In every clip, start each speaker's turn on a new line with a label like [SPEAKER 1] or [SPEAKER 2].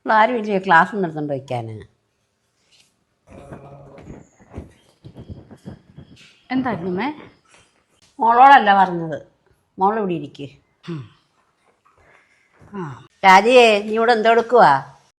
[SPEAKER 1] ആരും ഇല്ലേ ക്ലാസ് നിർത്തണ്ട് വയ്ക്കാൻ?
[SPEAKER 2] എന്തായിരുന്നു മേ?
[SPEAKER 1] മോളോടല്ല പറഞ്ഞത്, മോളിവിടെ ഇരിക്ക്.
[SPEAKER 2] ആ
[SPEAKER 1] രാജിയെ, നീ ഇവിടെ എന്തെടുക്കുവാ?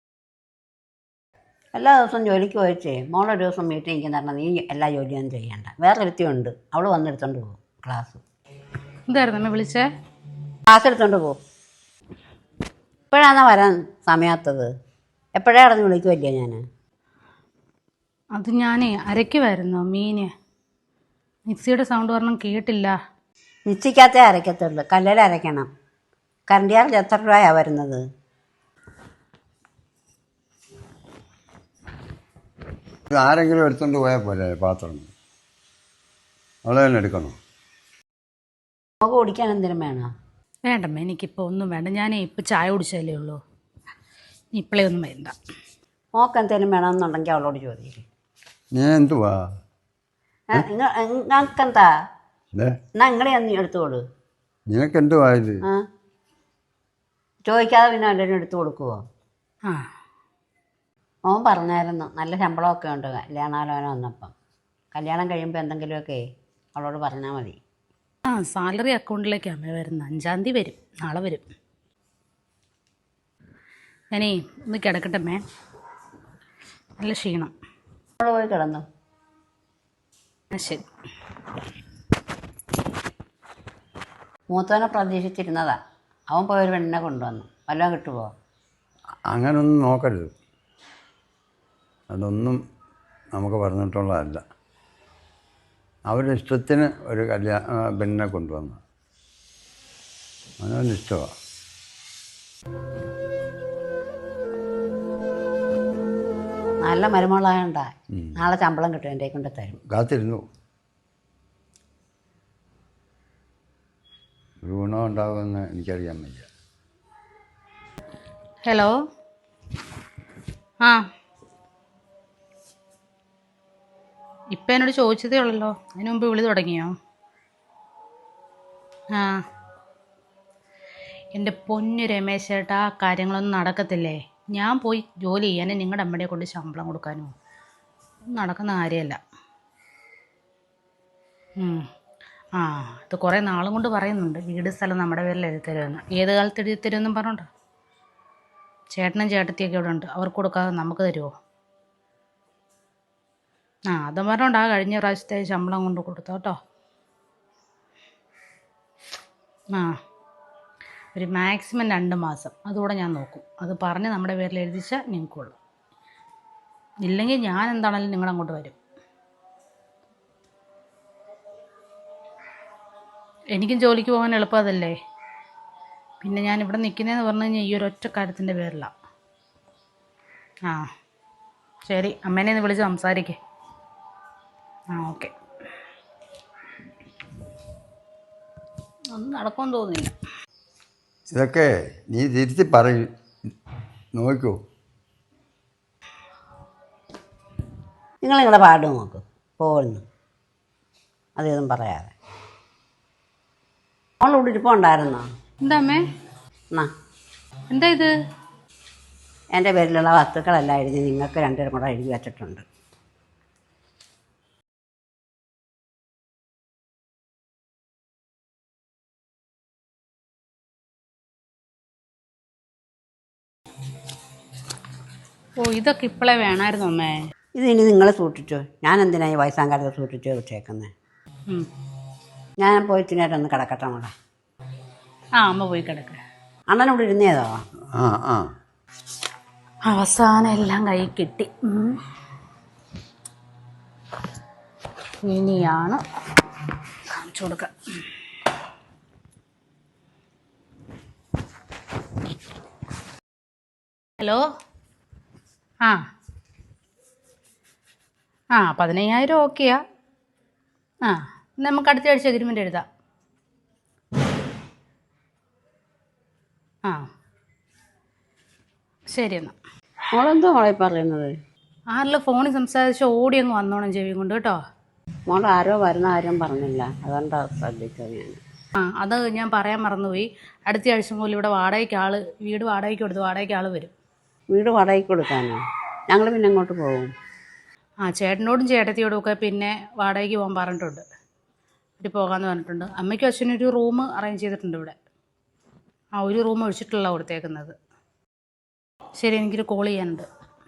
[SPEAKER 1] എല്ലാ ദിവസവും ജോലിക്ക് പോയിച്ചേ മോളൊരു ദിവസം വീട്ടിൽ ഇരിക്കുന്ന പറഞ്ഞാൽ നീ എല്ലാ ജോലിയൊന്നും ചെയ്യണ്ട. വേറെ ഒരുത്തിയുണ്ട്, അവൾ വന്നെടുത്തോണ്ട് പോകും ക്ലാസ്.
[SPEAKER 2] എന്തായിരുന്നു അമ്മ വിളിച്ചേ?
[SPEAKER 1] ക്ലാസ് എടുത്തോണ്ട് പോകും. ഇപ്പോഴാണ് വരാൻ സമയത്തത്. എപ്പോഴേ അടഞ്ഞ് വിളിക്കുമല്ലേ ഞാൻ?
[SPEAKER 2] അത് ഞാനേ അരയ്ക്കുമായിരുന്നു മീന്. മിക്സിയുടെ സൗണ്ട് പറഞ്ഞും കേട്ടില്ല.
[SPEAKER 1] മിക്സിക്കകത്തേ അരയ്ക്കത്തുള്ളൂ, കല്ലിൽ അരയ്ക്കണം. കറണ്ട് ചാർജ് എത്ര രൂപയാണ് വരുന്നത്?
[SPEAKER 3] ആരെങ്കിലും എടുത്തോണ്ട് പോയാൽ പോലെ പാത്രം അവളെ തന്നെ എടുക്കണോ?
[SPEAKER 1] നമുക്ക് കുടിക്കാൻ എന്തിനും വേണം?
[SPEAKER 2] വേണ്ടമ്മ, എനിക്കിപ്പോൾ ഒന്നും വേണ്ട. ഞാനേ ഇപ്പം ചായ കുടിച്ചതല്ലേ ഉള്ളൂ. ഇപ്പോഴേ ഒന്നും വേണ്ട.
[SPEAKER 1] മോക്ക് എന്തെങ്കിലും വേണമെന്നുണ്ടെങ്കിൽ അവളോട് ചോദിക്കും.
[SPEAKER 3] നീ എന്തുവാ
[SPEAKER 1] നിങ്ങൾക്കെന്താ? എന്നാ നിങ്ങളെ നീ എടുത്തോളൂ.
[SPEAKER 3] നിനക്ക് എന്തുവാ ഇത്?
[SPEAKER 1] ചോദിക്കാതെ പിന്നെ എല്ലാവരും എടുത്തു കൊടുക്കുവോ?
[SPEAKER 2] ആ
[SPEAKER 1] മോൻ പറഞ്ഞായിരുന്നു നല്ല ശമ്പളമൊക്കെ ഉണ്ട് കല്യാണാലോചന വന്നപ്പം. കല്യാണം കഴിയുമ്പോൾ എന്തെങ്കിലുമൊക്കെ അവളോട് പറഞ്ഞാൽ മതി.
[SPEAKER 2] ആ സാലറി അക്കൗണ്ടിലേക്ക് അമ്മ വരുന്നത് 5-ാം തീയതി വരും. നാളെ വരും. ഞാനേ ഒന്ന് കിടക്കട്ടമ്മേ, നല്ല ക്ഷീണം.
[SPEAKER 1] അവൾ പോയി കിടന്നു.
[SPEAKER 2] ശരി.
[SPEAKER 1] മൂത്തവനെ പ്രതീക്ഷിച്ചിരുന്നതാ, അവൻ പോയൊരു പെണ്ണിനെ കൊണ്ടുവന്നു. വല്ലതും കിട്ടുമോ?
[SPEAKER 3] അങ്ങനൊന്നും നോക്കരുത്. അതൊന്നും നമുക്ക് പറഞ്ഞിട്ടുള്ളതല്ല. അവരുടെ ഇഷ്ടത്തിന് ഒരു പെണ്ണിനെ കൊണ്ടുവന്നു. അവനവൻ്റെ ഇഷ്ടമാണ്.
[SPEAKER 1] നല്ല മരുമകളായോണ്ടാ നാളെ ശമ്പളം കിട്ടും, എൻ്റെ കൊണ്ട് തരും.
[SPEAKER 3] കാത്തിരുന്നു. ഒരു ഗുണം ഉണ്ടാകുമെന്ന് എനിക്കറിയാൻ വയ്യ.
[SPEAKER 2] ഹലോ. ആ ഇപ്പം എന്നോട് ചോദിച്ചതേ ഉള്ളല്ലോ, അതിന് മുമ്പ് വിളി തുടങ്ങിയോ? ആ എൻ്റെ പൊന്നു രമേശ് ചേട്ടാ, ആ കാര്യങ്ങളൊന്നും നടക്കത്തില്ലേ. ഞാൻ പോയി ജോലി ചെയ്യാനും നിങ്ങളുടെ അമ്മയെ കൊണ്ട് ശമ്പളം കൊടുക്കാനോ നടക്കുന്ന കാര്യമല്ല. ആ ഇത് കുറേ നാളും കൊണ്ട് പറയുന്നുണ്ട്, വീട് സ്ഥലം നമ്മുടെ പേരിൽ എഴുതി തരുമെന്ന്. ഏത് കാലത്ത് എഴുതി തരുമെന്നും പറഞ്ഞോണ്ടോ? ചേട്ടനും ചേട്ടത്തിയൊക്കെ ഇവിടെ ഉണ്ട്, അവർക്ക് കൊടുക്കാതെ നമുക്ക് തരുമോ? ആ അതും പറഞ്ഞോണ്ടാ കഴിഞ്ഞ പ്രാവശ്യത്തെ ശമ്പളം കൊണ്ട് കൊടുത്തോ കേട്ടോ. ആ ഒരു മാക്സിമം 2 മാസം അതുകൂടെ ഞാൻ നോക്കും. അത് പറഞ്ഞ് നമ്മുടെ പേരിൽ എഴുതിച്ചാൽ നിങ്ങൾക്കുള്ളൂ. ഇല്ലെങ്കിൽ ഞാൻ എന്താണെങ്കിലും നിങ്ങളങ്ങോട്ട് വരും. എനിക്കും ജോലിക്ക് പോകാൻ എളുപ്പമതല്ലേ. പിന്നെ ഞാൻ ഇവിടെ നിൽക്കുന്നതെന്ന് പറഞ്ഞു കഴിഞ്ഞാൽ ഈ ഒരു ഒറ്റ കാര്യത്തിൻ്റെ പേരിലാണ്. ആ ശരി, അമ്മേനെ ഒന്ന് വിളിച്ച് സംസാരിക്കേ. ആ ഓക്കെ. ഒന്നും നടക്കുമെന്ന് തോന്നുന്നില്ല.
[SPEAKER 3] ഇതൊക്കെ നീ തിരുത്തി പറയും, നോക്കൂ.
[SPEAKER 1] നിങ്ങൾ നിങ്ങളുടെ പാട് നോക്ക്, പോകുന്നു അതൊന്നും പറയാതെ. അവളിവിടെ ഇരിപ്പുണ്ടായിരുന്നോ?
[SPEAKER 2] എന്താ അമ്മേ?
[SPEAKER 1] എന്നാ
[SPEAKER 2] എന്താ ഇത്?
[SPEAKER 1] എൻ്റെ പേരിലുള്ള വസ്തുക്കളെല്ലാം എഴുതി നിങ്ങൾക്ക് രണ്ടുപേരും കൂടെ എഴുതി വച്ചിട്ടുണ്ട്.
[SPEAKER 2] ഓ ഇതൊക്കെ ഇപ്പോഴേ വേണമായിരുന്നു അമ്മേ.
[SPEAKER 1] ഇതിനി നിങ്ങൾ സൂക്ഷിച്ചോ. ഞാൻ എന്തിനാണ് ഈ വയസ്സാം കാലത്ത് സൂക്ഷിച്ച് വെച്ചേക്കുന്നത്? ഞാൻ പോയി ഇത്തിനേരം ഒന്ന് കിടക്കട്ടെ മോളെ.
[SPEAKER 2] ആ അമ്മ പോയി കിടക്ക.
[SPEAKER 1] അണ്ണനിവിടെ ഇരുന്നേതോ?
[SPEAKER 3] ആ ആ
[SPEAKER 2] അവസാനം എല്ലാം കൈ കിട്ടി. ഇനിയാണ് കാണിച്ചു കൊടുക്കുക. ഹലോ. ആ 15,000 ഓക്കെയാ. ആ നമുക്ക് അടുത്ത ആഴ്ച അഗ്രിമെൻ്റ് എഴുതാം. ആ ശരി എന്നാൽ.
[SPEAKER 1] മോളെന്തോ മോളെ പറയുന്നത്?
[SPEAKER 2] ആരെല്ലാം ഫോണിൽ സംസാരിച്ച് ഓടി അങ്ങ് വന്നോണം ചെവി കൊണ്ട് കേട്ടോ.
[SPEAKER 1] മോൾ ആരോ വരുന്ന ആരും പറഞ്ഞില്ല, അതുകൊണ്ടാണ് ശ്രദ്ധിച്ചത് ഞാൻ.
[SPEAKER 2] അത് ഞാൻ പറയാൻ മറന്നുപോയി. അടുത്ത ആഴ്ച മുതൽ ഇവിടെ വീട് വാടകയ്ക്ക് കൊടുത്ത് വാടകയ്ക്ക് ആൾ വരും.
[SPEAKER 1] വീട് വാടകയ്ക്ക് കൊടുക്കാനോ? ഞങ്ങൾ പിന്നെ അങ്ങോട്ട് പോകും.
[SPEAKER 2] ആ ചേട്ടനോടും ചേട്ടത്തിയോടും ഒക്കെ പിന്നെ വാടകയ്ക്ക് പോകാൻ പറഞ്ഞിട്ടുണ്ട്. ഇവിടെ പോകാമെന്ന് പറഞ്ഞിട്ടുണ്ട്. അമ്മയ്ക്കും അച്ഛനും ഒരു റൂം അറേഞ്ച് ചെയ്തിട്ടുണ്ട് ഇവിടെ. ആ ഒരു റൂം ഒഴിച്ചിട്ടുള്ള കൊടുത്തേക്കുന്നത്. ശരി, എനിക്കൊരു കോൾ ചെയ്യാനുണ്ട്.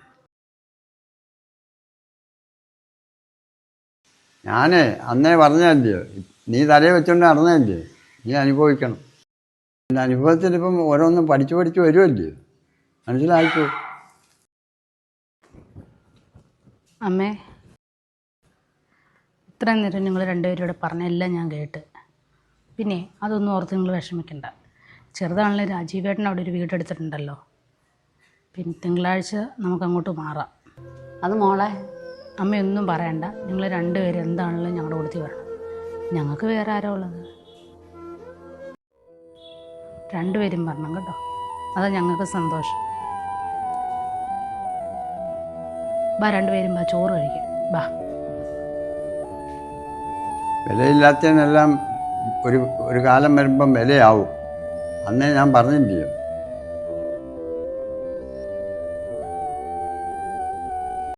[SPEAKER 3] ഞാനേ അന്നേ പറഞ്ഞല്ലേ, നീ തലയിൽ വെച്ചോണ്ട് നടന്നല്ലേ, നീ അനുഭവിക്കണം. എൻ്റെ അനുഭവത്തിൽ ഇപ്പം ഓരോന്നും പഠിച്ച് പഠിച്ച് വരുമല്ലേ, മനസ്സിലായിക്കോ.
[SPEAKER 2] അമ്മേ, ഇത്രയും നേരം നിങ്ങൾ രണ്ടുപേരും ഇവിടെ പറഞ്ഞ എല്ലാം ഞാൻ കേട്ട്. പിന്നെ അതൊന്നും ഓർത്ത് നിങ്ങൾ വിഷമിക്കണ്ട. ചെറുതാണല്ലോ രാജീവേട്ടൻ അവിടെ ഒരു വീടെടുത്തിട്ടുണ്ടല്ലോ. പിന്നെ തിങ്കളാഴ്ച നമുക്കങ്ങോട്ട് മാറാം.
[SPEAKER 1] അത് മോളെ,
[SPEAKER 2] അമ്മയൊന്നും പറയണ്ട. നിങ്ങൾ രണ്ടുപേരും എന്താണല്ലോ ഞങ്ങളുടെ കൂടത്തിൽ വരണം. ഞങ്ങൾക്ക് വേറെ ആരോ ഉള്ളത്? രണ്ടുപേരും വരണം കേട്ടോ, അതാ ഞങ്ങൾക്ക് സന്തോഷം. ബാ, രണ്ടുപേരും ബാ, ചോറ് കഴിക്കാം. ബാ.
[SPEAKER 3] വിലയില്ലാത്തതിനെല്ലാം ഒരു കാലം വരുമ്പം വിലയാവും. അന്നേ ഞാൻ പറഞ്ഞില്ലയോ.